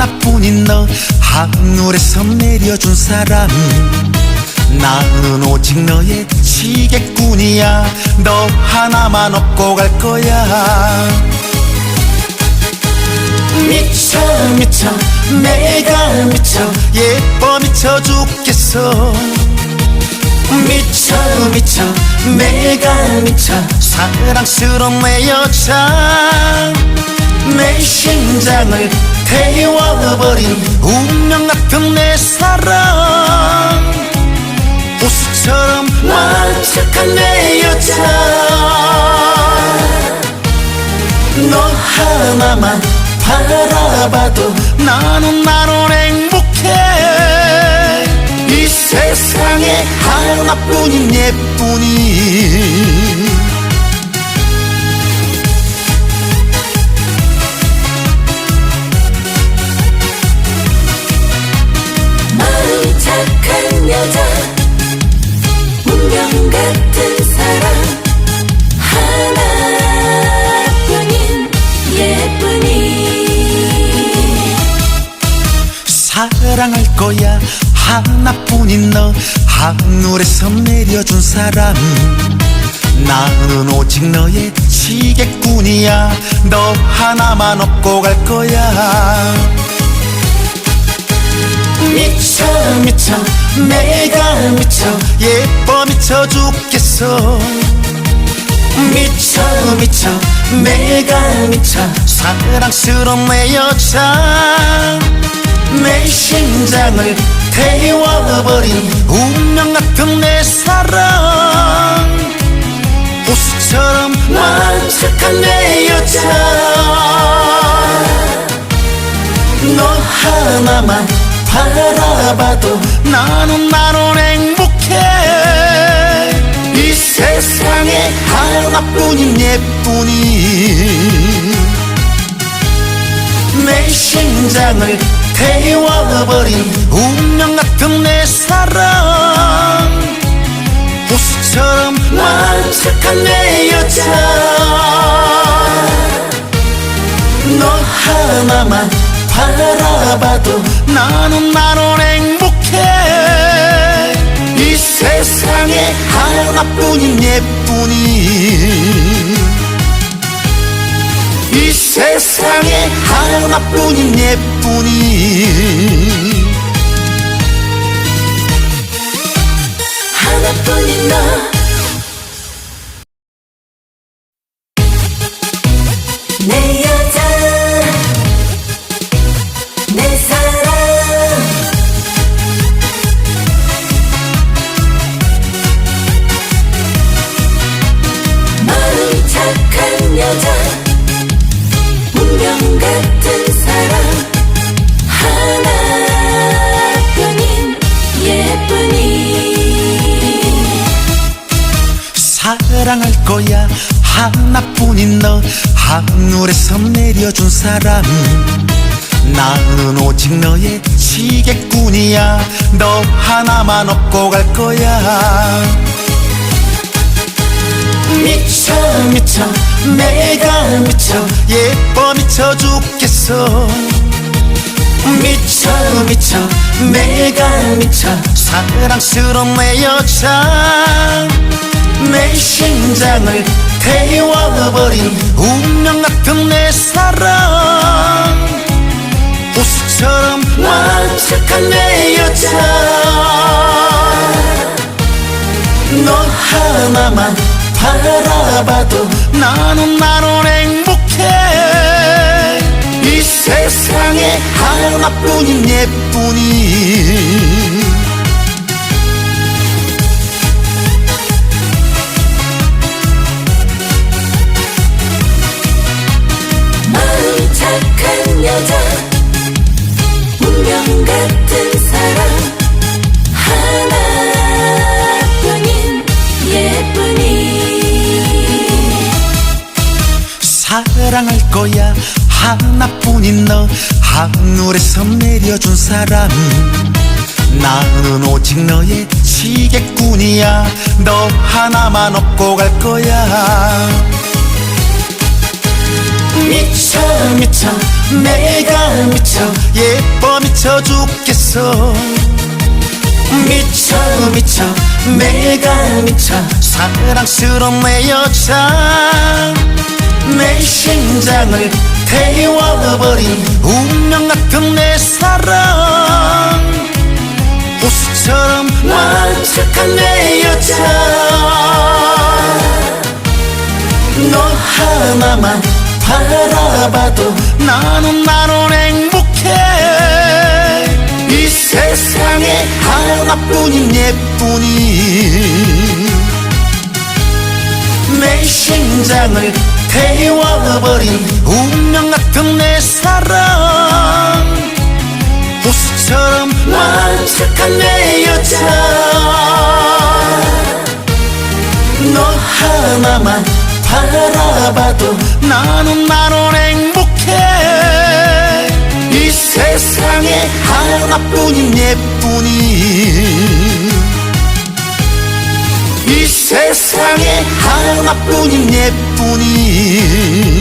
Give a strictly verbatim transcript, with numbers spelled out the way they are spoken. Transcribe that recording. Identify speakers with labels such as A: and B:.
A: 하나뿐인 너, 하늘에서 내려준 사람. 나는 오직 너의 지게꾼이야. 너 하나만 업고 갈 거야. 미쳐 미쳐 내가 미쳐, 예뻐 미쳐 죽겠어. 미쳐 미쳐 내가 미쳐, 사랑스러운 내 여자. 내 심장을 태워버린 운명 같은 내 사랑. 호수처럼 완벽한 내 여자. 너 하나만 바라봐도 나는 나는 행복해. 이 세상에 하나뿐인 예쁜이.
B: 마음 착한 여자, 운명 같은 사랑. 하나뿐인 예쁜이.
A: 사랑할 거야. 하나뿐인 너, 하늘에서 내려준 사람. 나는 오직 너의 지게꾼이야. 너 하나만 업고 갈 거야. 미쳐 미쳐 내가 미쳐, 예뻐 미쳐 죽겠어. 미쳐 미쳐 내가 미쳐, 사랑스러운 내 여자. 내 심장을 태워버린 운명 같은 내 사랑. 호수처럼 완벽한 내 여자. 너 하나만 바라봐도 나는 나는 행복해. 이 세상에 하나뿐인 예쁜이. 내 심장을 태워버린 운명 같은 내 사랑. 호수처럼 완벽한 내 여자. 너 하나만 바라봐도 나는 나는 행복해. 이 세상에 하나뿐인 예쁜이. 이 세상에 하나뿐인 예쁜이.
B: 하나뿐인 너, 내 여자, 내 사랑. 마음 착한 여자, 운명 같은 사랑. 하나뿐인 예쁜이.
A: 사랑할 거야. 하나뿐인 너, 하늘에서 내려준 사람. 나는 오직 너의 지게꾼이야. 너 하나만 업고 갈 거야. 미쳐 미쳐 내가 미쳐, 예뻐 미쳐 죽겠어. 미쳐 미쳐 내가 미쳐, 사랑스러운 내 여자. 내 심장을 태워버린 운명 같은 내 사랑. 호수처럼 완벽한 내 여자. 너 하나만 바라봐도 나는 나는 행복해. 이 세상에 하나뿐인 예쁜이.
B: 마음 착한 여자, 운명 같은 사랑. 하나뿐인 예쁜이.
A: 사랑할 거야. 하나뿐인 너, 하늘에서 내려준 사람. 나는 오직 너의 지게꾼이야. 너 하나만 업고 갈 거야. 미쳐 미쳐 내가 미쳐 예뻐 미쳐 죽겠어 미쳐 미쳐 내가 미쳐 사랑스러운 내 여자 내 심장을 태워버린 운명 같은 내 사랑 호수처럼 완벽한 내 여자 너 하나만 바라봐도 나는 나는 행복해 이 세상에 하나뿐인 예쁜이 내 심장을 태워버린 운명 같은 내 사랑 호수처럼 완벽한 내 여자 너 하나만 바라봐도 나는 나는 행복해 이 세상에 하나뿐인 예쁜이 이 세상에 하나뿐인 예쁜이